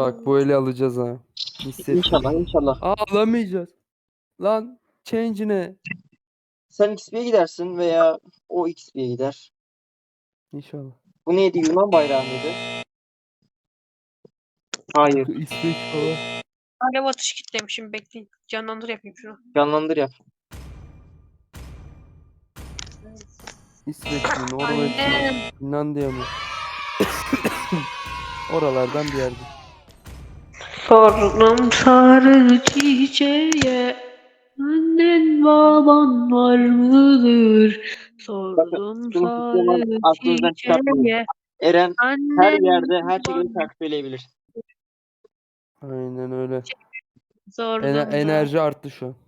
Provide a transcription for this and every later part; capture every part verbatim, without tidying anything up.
Bak bu eli alacağız ha. Hissettim. İnşallah inşallah. Aa, alamayacağız. Lan change ne? Sen X P'ye gidersin veya o X P'ye gider. İnşallah. Bu neydi? Yunan bayrağı mıydı? Hayır. İsveç falan. Alev atış kitlemişim, bekleyin. Canlandır yapayım şunu. Canlandır yap. İsveç mi? Norveç mi? Annem. Finlandiya mı? Oralardan bir yerde. Sordum sarı çiçeğe, annen baban var mıdır? Sordum Şunu sarı aklınızdan çıkartmayın. çiçeğe, Eren her annen yerde her şekilde baban- şarkı söyleyebilir. Aynen öyle. Sordum Ener- da. enerji arttı şu an.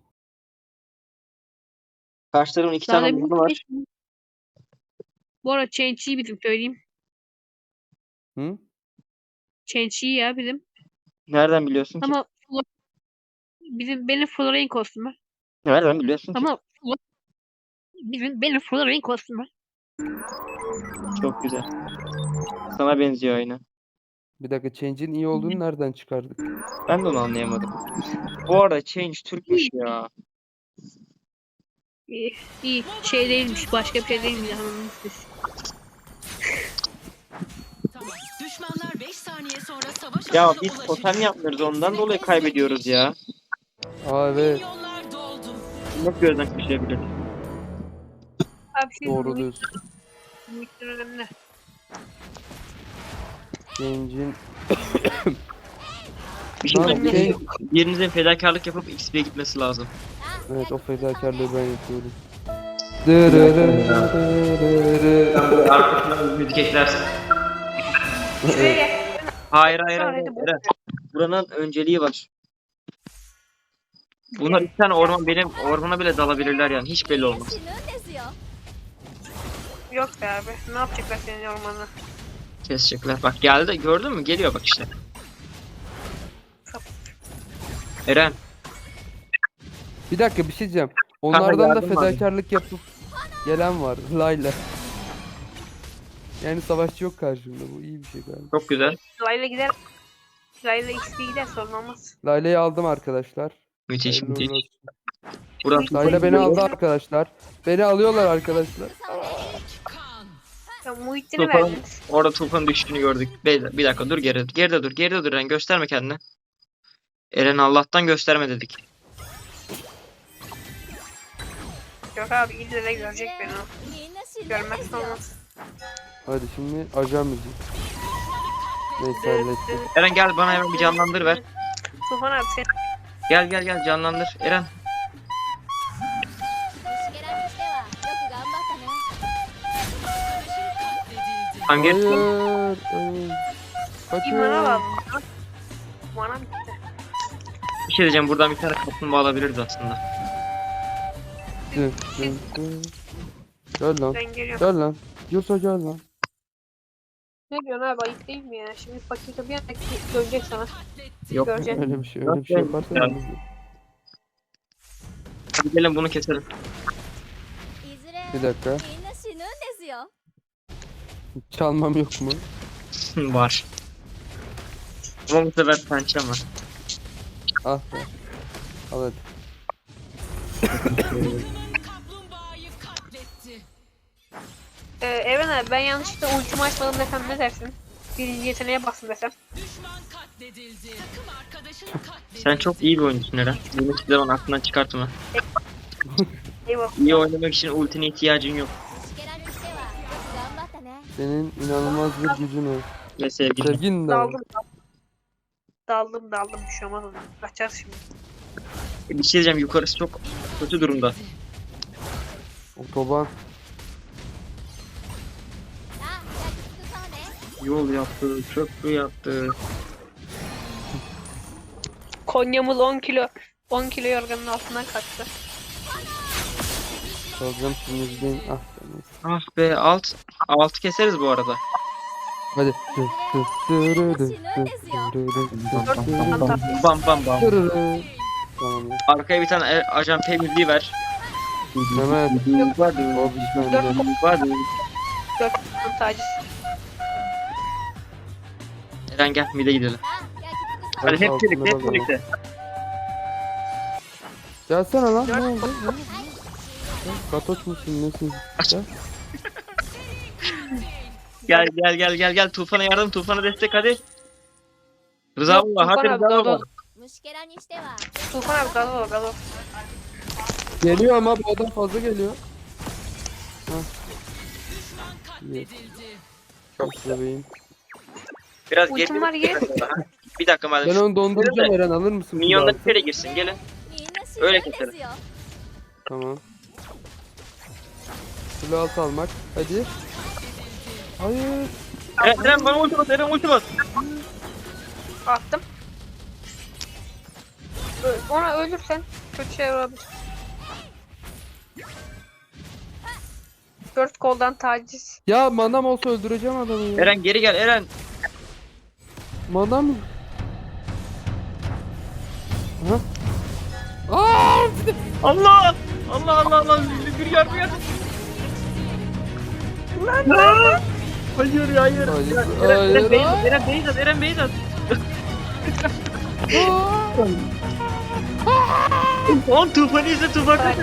Karşı tarafın iki Daha tane da bir oyunu var. şey- Bu arada Change'i bizim söyleyeyim. Hı? Change'i ya bizim. Nereden biliyorsun ki? Ama Flo- bizim benim Florine kostümü. Nereden biliyorsun ki? Ama Flo- bizim benim Florine kostümü. Çok güzel. Sana benziyor aynı. Bir dakika change'in iyi olduğunu nereden çıkardık? Ben de onu anlayamadım. Bu arada Change Türkmüş ya. İyi, iyi. Şey değilmiş, başka bir şey değilmiş. Anladınız siz. Tamam. Düşmanlar beş saniye sonra savaş Ya alanına biz ulaşacak. totem yapmıyoruz ondan dolayı kaybediyoruz ya. Aa evet. Milyonlar doldu. Nasıl gözden kaçırabiliriz? Abi şey Doğru Doğru diyorsun. önemli. Change'in Bir şey Lan söyleyeyim. change. Birinizin fedakarlık yapıp X P'ye gitmesi lazım. Evet o fedakarlığı ben yapıyorum. Dırırırırırırı. Arkasından müzik eklersin. Şuraya gel. Hayır hayır Sonra hayır. da bu- Eren. Buranın önceliği var. Bunlar iki tane orman benim ormana bile dalabilirler yani hiç belli olmaz. Yok be abi. Ne yapacaklar senin ormanı? Kesecekler. Bak geldi gördün mü? Geliyor bak işte. Eren. Bir dakika bir şey diyeceğim. Onlardan da yardım var. fedakarlık yapıp gelen var. Layla. Yani savaşçı yok karşımda. Bu iyi bir şey galiba. Çok güzel. Layla gider. Layla X P gider, sorun olmaz. Layla'yı aldım arkadaşlar. Müthiş Hayırlı müthiş. uğurlu olsun. Burası Layla beni aldı arkadaşlar. Beni alıyorlar arkadaşlar. Kan. Ya Muhittin'i Tufan, verdiniz. orada Tufan'ın düştüğünü gördük. Bir, bir dakika dur geride. Geride dur. Geride dur Eren gösterme kendini. Eren Allah'tan gösterme dedik. Yok abi, ille de görecek beni o. Görmezse olmaz. Hadi şimdi ajan müziği. Neyse hallettim. Eren gel bana hemen bir canlandır ver. Tufan abi sen Gel gel gel canlandır. Eren. Hangi? Hayır. hayır. imana Kaçın. bağlı. Bana bitti. Bir şey diyeceğim buradan bir tane kaplumbağa alabiliriz aslında. Dı, dı, dı. Gel lan. Ben geliyorum. Gel lan. Yursa gel lan. Ne diyorsun abi, ayıp değil mi ya? Şimdi fakirte bir anda dönecek sana. Yok. Göreceksin. Öyle bir şey. Öyle bir şey yaparsan. Ya. Hadi gelin bunu keselim. Bir dakika. Çalmam yok mu? Var. Ama bu sefer pençem var. Ah be. Al hadi. Kaplumbağayı katletti. Ee, Eren abi, ben yanlışlıkla ultimi açmadım desem ne dersin? Birinci yeteneğe bastım desem. Düşman katledildi. Takım arkadaşın katledildi. Sen çok iyi bir oyuncusun Eren. Bunu hiçbir zaman aklından çıkartma. Eyvallah. İyi oynamak için ultine ihtiyacın yok. Senin inanılmaz bir gücün var. Ve sevgili. Sevgin de var. Daldım daldım. Daldım daldım, bir şey olmaz ona. Kaçarız şimdi. Bir şey diyeceğim yukarısı çok kötü durumda. Otoban. Yol yaptı, köprü yaptı. Konya'mız on kilo. on kilo yorganın altından kaçtı. Çalacağım şimdi izleyin. Ah tamam. Ah be alt altı keseriz bu arada. Hadi. Dı, dı, dırı, dı, dı, dırı, dı, dı, dırı, Bam bam bam. dırı. Tamam ya. Arkaya bir tane e- ajan P müziği ver. Mehmet. O bizden de. Dört taciz. Eren gel mide gidelim. Hadi hep altında birlikte hep bakalım. birlikte. Gelsene lan ne oldu? Ne oldu? Katoç musun nesin? Gel. Gel gel gel gel gel Tufan'a yardım Tufan'a destek hadi. Rıza Yok, baba hadi Tufan abi, Rıza doğru, baba. doğru. 虫けらにしては Tufan abi gazoz gazoz. Geliyor ama bu adam fazla geliyor. İyi. Çok bebeğim. Biraz Ultim geri. var, gel. Bir dakika madem. Ben şu- onu donduracağım Eren alır mısın? Minyonlar Kulağını? içeri girsin gelin. みんな死 Öyle ぬんです keselim. よ Tamam. Kule altı almak. Hadi. Hayır. Eren, Eren bana ulti bas Eren ulti bas. Attım. Ö- Ona ölürsen kötü şey olabilir. Dört koldan taciz. Ya manam olsa öldüreceğim adamı ya. Eren geri gel Eren. Manam. Aha. Aa! Allah! Allah Allah Allah bir yardım yardım. Lan lan! Hayır hayır. Hayır, Eren, hayır, Eren, Beyzat, hayır. Eren Beyzat, Eren Beyzat. Oğlum Tufan'ı izle Tufan kaç.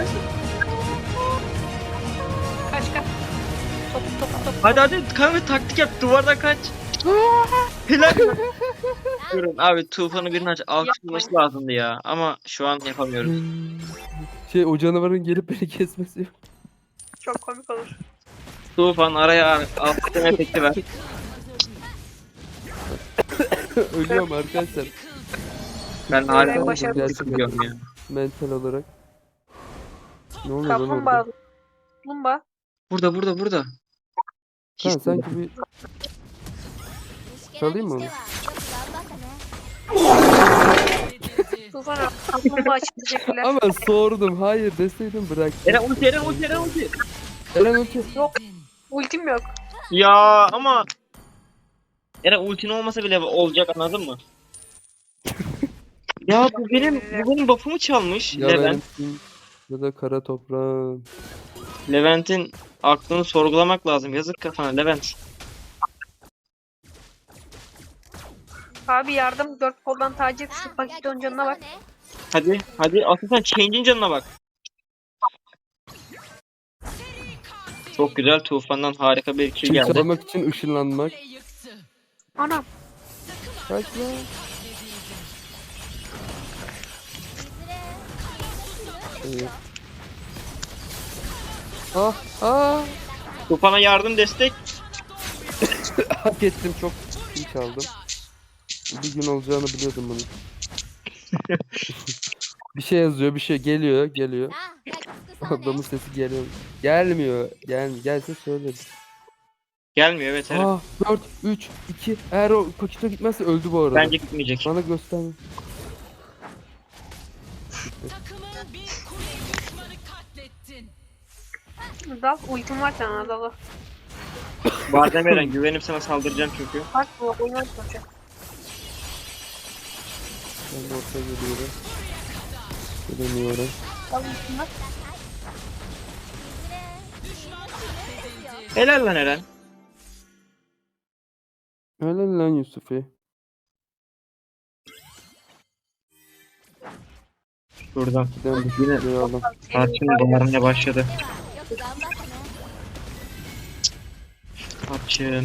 Kaç kaç. Top top top. Hadi hadi kanka taktik yap duvardan kaç. Helal. Durun abi Tufan'ı birinin aç alkışlaması lazımdı ya ama şu an yapamıyoruz. Şey o canavarın gelip beni kesmesi yok. Çok komik olur. Tufan araya alkışlama efekti ver. Ölüyorum arkadaşlar. Ben hala Ben başardım. gerçekten ya. Mental olarak. Ne oluyor lan Kaplumbağa. orada? Kaplumbağa. Burada burada burada. Ha, sanki bir 虫けら çalayım に mı し onu? てはよく頑張ったね Tufan abi. Kaplumbağa için teşekkürler. Ama sordum. Hayır deseydim bırak. Eren ulti Eren ulti Eren ulti. Eren ulti. Ultim yok. Ya ama Eren ultin olmasa bile olacak anladın mı? Ya bu benim bu benim buff'ımı çalmış Ya Levent. benim ya da kara toprağım. Levent'in aklını sorgulamak lazım. Yazık kafana Levent. Abi yardım. Dört koldan taciz. Şu あ paketon canına bak. ね Hadi hadi asıl sen Change'in canına bak. Çok güzel Tufan'dan harika bir kill Kim geldi. çalmak için ışınlanmak. Kule yıktı. Anam. Kaç lan. いずれみんな死ぬんです İyi. よ Ah ah. Tufan'a yardım destek. Hak ettim çok iyi çaldım. Bir gün olacağını biliyordum bunu. Bir şey yazıyor, bir şey geliyor, geliyor. さあ焼き尽くそうね Adamın sesi geliyor. Gelmiyor. Gel gelse söyleriz. Gelmiyor evet Eren. Ah dört, üç, iki. Eğer o pakete gitmezse öldü bu arada. Bence gitmeyecek. Bana gösterme. Takımın bir kule düşmanı katlettin. Dal. Ultim var sana dalı. Bardem Eren güvenip sana saldıracağım çünkü. Bak bu oynar çocuk. Ben de ortaya geliyorum. Gelemiyorum. Dal ultim var. いずれみんな死ぬんですよ Helal lan Eren. Helal lan Yusuf'i. Şuradan. Giden bir şey aldım. Tarçın bağırmaya başladı. よく頑張ったね Tarçın.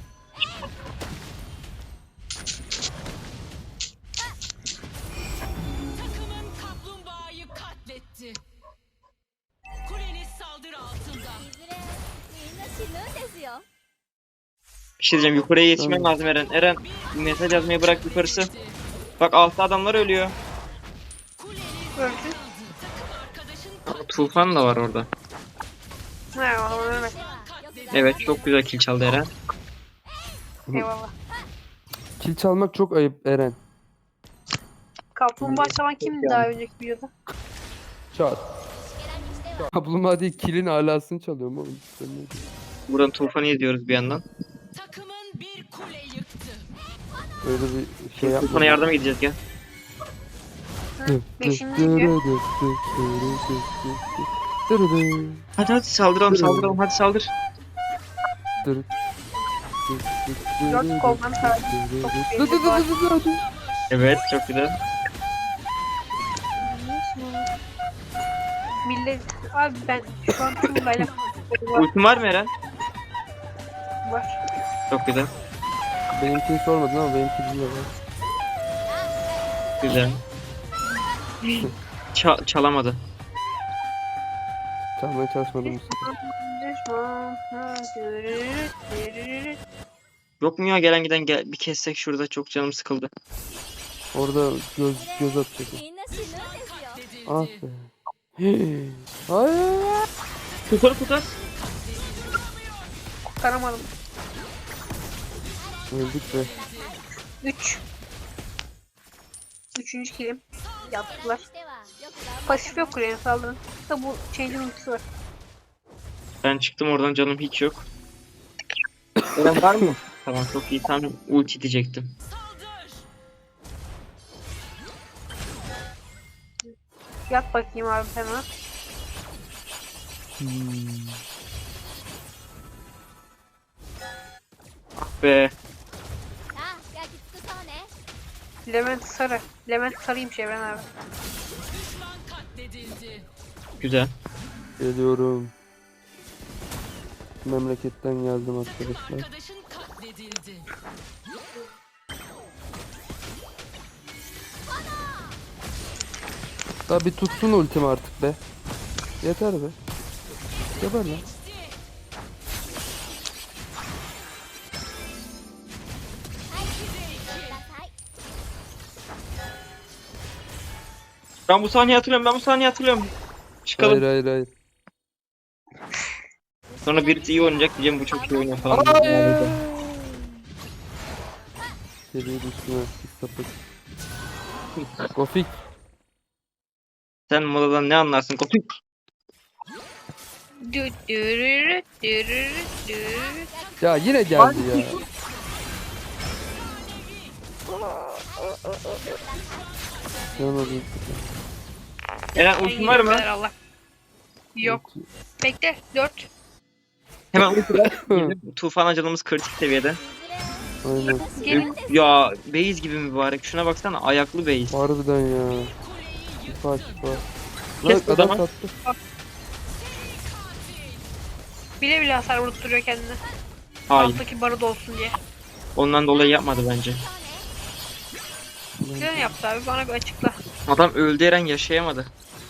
Takımın kaplumbağayı katletti. Kuleniz saldırı altında. いずれみんな死ぬんですよ Bir şey diyeceğim yukarıya yetişmen Tamam. lazım Eren. Eren mesaj yazmayı bırak yukarısı. Bak altta adamlar ölüyor. Kuleniz Öldü. arkadaşın Aa, Tufan da var orada. Ne eyvallah Mehmet. ではよく頑張った Evet çok güzel kill çaldı Eren. Eyvallah. Kil çalmak çok ayıp Eren. Kaplumbağa çalan kimdi daha önceki videoda? Çat. 虫けらにしては Kaplumbağa değil kilin alasını çalıyorum oğlum. Sen ne- Buradan Tufan'ı izliyoruz bir yandan. takımın bir kule yıktı. Öyle bir şey yapma. Tufan'a yardıma gideceğiz gel. Hı, Beşinci video. Hadi hadi saldıralım saldıralım hadi saldır. Dört koldan taciz. Çok Dur dur belli var. dur dur dur. Evet çok güzel. Millet abi ben şu an Tuğla'yla Ultim var mı Eren? var. Çok güzel. Benimkini sormadın ama benimki biliyor. Bak. Güzel. Ça- çalamadı. Çalmaya çalışmadım bu sefer. Yok mu ya gelen giden gel bir kessek şurada çok canım sıkıldı. Orada göz göz atacak. みんな死ぬんですよ Ah be. Hey. Hayır. Kurtar kurtar. Kurtaramadım. Öldük be. üç. Üçüncü kilim. Yaptılar. してはよく頑張っ Pasif yok kuleye saldırın. Da bu change'in ultisi var. Ben çıktım oradan canım hiç yok. Eren var mı? Tamam çok iyi tam ulti diyecektim. Yat bakayım abi sana. Hmm. Be たあ焼き尽くそうね Levent sarı. Levent sarıymış Evren abi. güzel. Geliyorum. Memleketten geldim arkadaşlar. Arkadaşın katledildi. Daha bir tutsun ultim artık be. Yeter be. Geber lan. Ben bu sahneyi hatırlıyorum ben bu sahneyi hatırlıyorum. Çıkalım. Hayır hayır hayır. Sonra birisi iyi oynayacak diyeceğim bu çok iyi oynuyor falan. Hayır. Geliyor üstüne. Bir sapık. Gofik. Sen modadan ne anlarsın Kopik? Dü- dürürü, dürürü, dürürü. Ya yine geldi ya. Yanıldım. Eren ultin var mı? Ay, Allah. Yok. Bekle. Dört. Hemen ulti ver. Tufan acılığımız kritik seviyede. いずれ Aynen. gelin. Ya base gibi mübarek. Şuna baksana ayaklı base. Harbiden ya. Şifa şifa. Kes Lan o zaman. adam sattı. Bile bile hasar vurtturuyor kendine. Hayır. Alttaki barı dolsun diye. Ondan dolayı yapmadı bence. Neden yaptı abi? Bana bir açıkla. Adam öldü Eren yaşayamadı.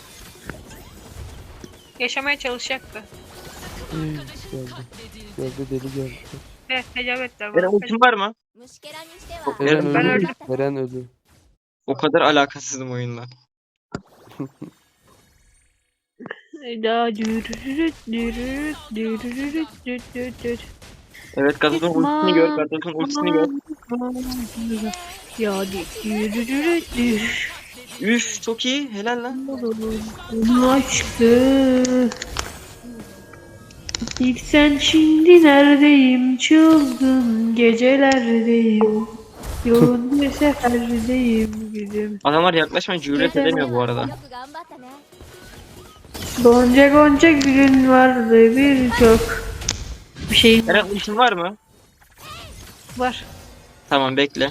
Yaşamaya çalışacaktı. Hey, geldi. Geldi deli geldi. Evet, tecavüz ettiler Eren bana. ultin var mı? 虫けらにしては Eren Ben öldü. öldüm. Eren öldü. O kadar alakasızım oyunla. Daha dürürü, dürürü, dürürü, dürürü. Evet Gatot'un ultisini gör. Gatot'un ultisini gör. Ya dürürü, dürürü. Üf çok iyi. Helal lan. Onu açtı. İlk sen şimdi neredeyim? Çılgın gecelerdeyim. Yoğun bir seferdeyim gülüm. Adamlar yaklaşmayın cüret edemiyor bu arada. よく頑張ったね Gonca gonca gülün vardı birçok. Bir şey Eren ultin var mı? var. Tamam bekle.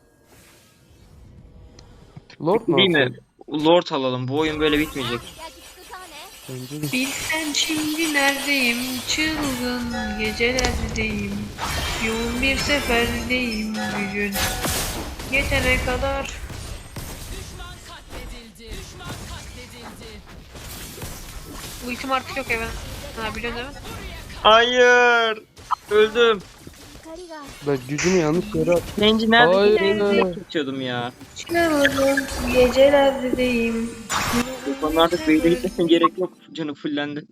Lord mu? Değil mi? alsam? Lord alalım. Bu oyun böyle bitmeyecek. 焼き尽くそうね Bence de. Bilsen şimdi neredeyim? Çılgın gecelerdeyim. Yoğun bir seferdeyim bugün. Yetene kadar. Bu itim artık yok Even. Ha biliyorsun değil mi? Hayır. Öldüm. 光が Ben gücümü yanlış yere attım. Zenci nerede? Hayır. Zenci tutuyordum ya. Çılgın gecelerdeyim. Bana artık beyde gitmesine gerek yok. Canı fullendi.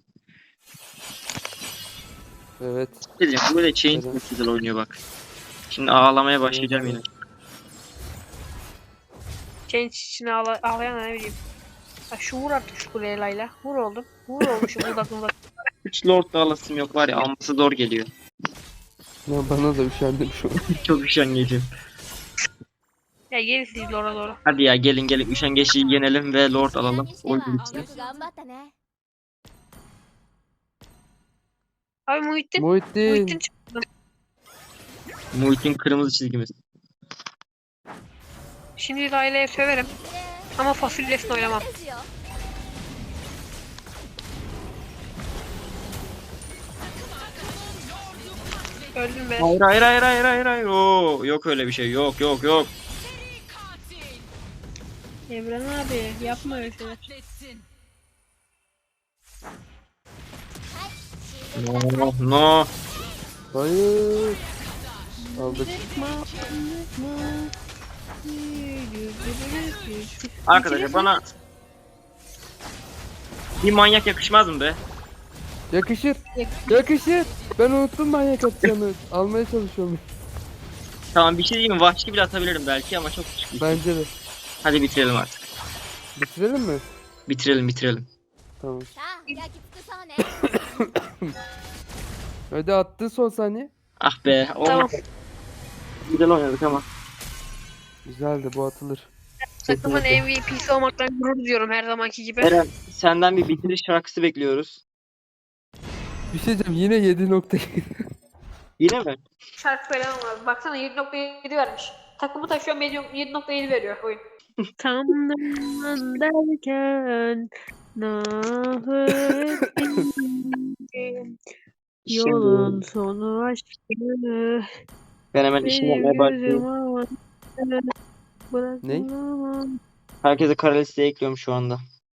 Evet. Dedim bu böyle chain Evet. çok güzel oynuyor bak. Şimdi ağlamaya başlayacağım yine. Change içine ağla ağlayan ne bileyim. Ha, şu vur artık şu kuleye Layla. Vur oldum. Vur oldum şu budak budak. Üç Lord da alasım yok var ya alması zor geliyor. Ya bana da üşendim şu an. Çok üşengecim. Ya gelin siz doğru doğru. Hadi ya gelin gelin üşengeçliği yenelim ve Lord 虫けら alalım. にして Oyun は bitsin. よく頑張ったね Abi Muhittin. Muhittin. Muhittin çıktı. Muhit'in kırmızı çizgimiz. Şimdi Layla'ya söverim. Ama fasulyesini oynamam. ですよ Öldüm be. Hayır hayır hayır hayır hayır hayır. Oo, yok öyle bir şey. Yok yok yok. Evren abi yapma öyle şeyler. Katletsin. No no. Hayır. Aldık. Arkadaşlar bana bir manyak yakışmaz mı be? Yakışır. Yakışır. Ben unuttum manyak atacağını. Almaya çalışıyorum. Tamam bir şey diyeyim mi? Vahşi bile atabilirim belki ama çok küçük. Bence de. Hadi bitirelim artık. Bitirelim mi? Bitirelim bitirelim. Tamam. さあ焼き尽くそうね Hadi attı son saniye. Ah be. Tamam. Olmadı. Güzel oynadık ama. Güzeldi, bu atılır. Takımın M V P'si olmaktan gurur duyuyorum her zamanki gibi. Eren senden bir bitiriş şarkısı bekliyoruz. Bir şey diyeceğim, yine yedi nokta. Yine mi? Şarkı falan var. Baksana yedi nokta yedi vermiş. Takımı taşıyor yedi nokta yedi veriyor oyun. Tam derken yolun Şimdi sonu aşkı ben hemen işimi yapmaya başlayayım. Ne? Herkese kara listeye ekliyorum şu anda.